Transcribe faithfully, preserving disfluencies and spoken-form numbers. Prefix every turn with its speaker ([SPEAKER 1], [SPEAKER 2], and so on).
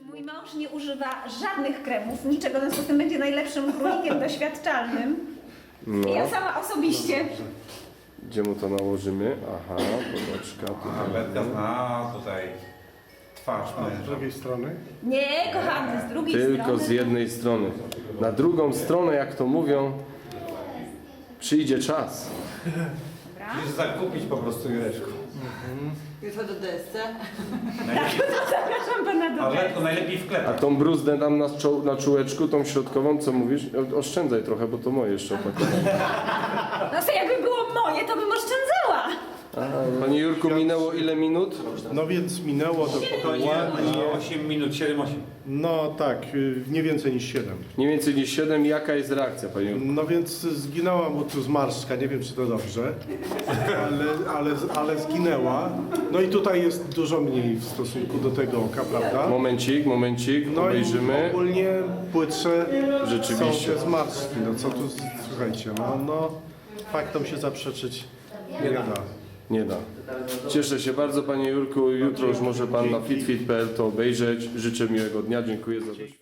[SPEAKER 1] Mój mąż nie używa żadnych kremów, niczego, w związku z tym będzie najlepszym królikiem doświadczalnym.
[SPEAKER 2] No.
[SPEAKER 1] Ja sama osobiście.
[SPEAKER 2] Gdzie mu to nałożymy? Aha, popaczka.
[SPEAKER 3] A, Betka zna tutaj twarz
[SPEAKER 4] A z
[SPEAKER 3] męża.
[SPEAKER 4] drugiej strony?
[SPEAKER 1] Nie, kochany, z drugiej
[SPEAKER 2] Tylko
[SPEAKER 1] strony.
[SPEAKER 2] z jednej strony. Na drugą stronę, jak to mówią, przyjdzie czas.
[SPEAKER 1] Dobra.
[SPEAKER 3] Musisz zakupić po prostu Jureczku.
[SPEAKER 5] Jutro do desce.
[SPEAKER 1] Zapraszam pana do
[SPEAKER 3] A
[SPEAKER 1] tego.
[SPEAKER 3] Betko najlepiej w
[SPEAKER 2] A
[SPEAKER 3] klepach.
[SPEAKER 2] tą bruzdę tam na, czo- na czułeczku, tą środkową, co mówisz? Oszczędzaj trochę, bo to moje jeszcze opakowanie.
[SPEAKER 1] No to jakby było moje, to bym oszczędzała.
[SPEAKER 2] Panie Jurku, minęło ile minut?
[SPEAKER 4] No więc minęło dokładnie,
[SPEAKER 3] osiem minut, siedem osiem.
[SPEAKER 4] no tak, y, nie więcej niż siedem.
[SPEAKER 2] Nie więcej niż siedem. Jaka jest reakcja, panie Jurku?
[SPEAKER 4] No więc zginęła mu tu zmarszczka, nie wiem czy to dobrze, ale, ale, ale zginęła. No i tutaj jest dużo mniej w stosunku do tego oka, prawda?
[SPEAKER 2] Momencik, momencik,
[SPEAKER 4] No i
[SPEAKER 2] obejrzymy.
[SPEAKER 4] ogólnie płytsze
[SPEAKER 2] Rzeczywiście.
[SPEAKER 4] są te zmarszczki. No co tu, słuchajcie, no, no faktom się zaprzeczyć nie da.
[SPEAKER 2] Nie da. Cieszę się bardzo, panie Jurku. Jutro już może pan na fitfit kropka p l to obejrzeć. Życzę miłego dnia. Dziękuję za doświadczenie.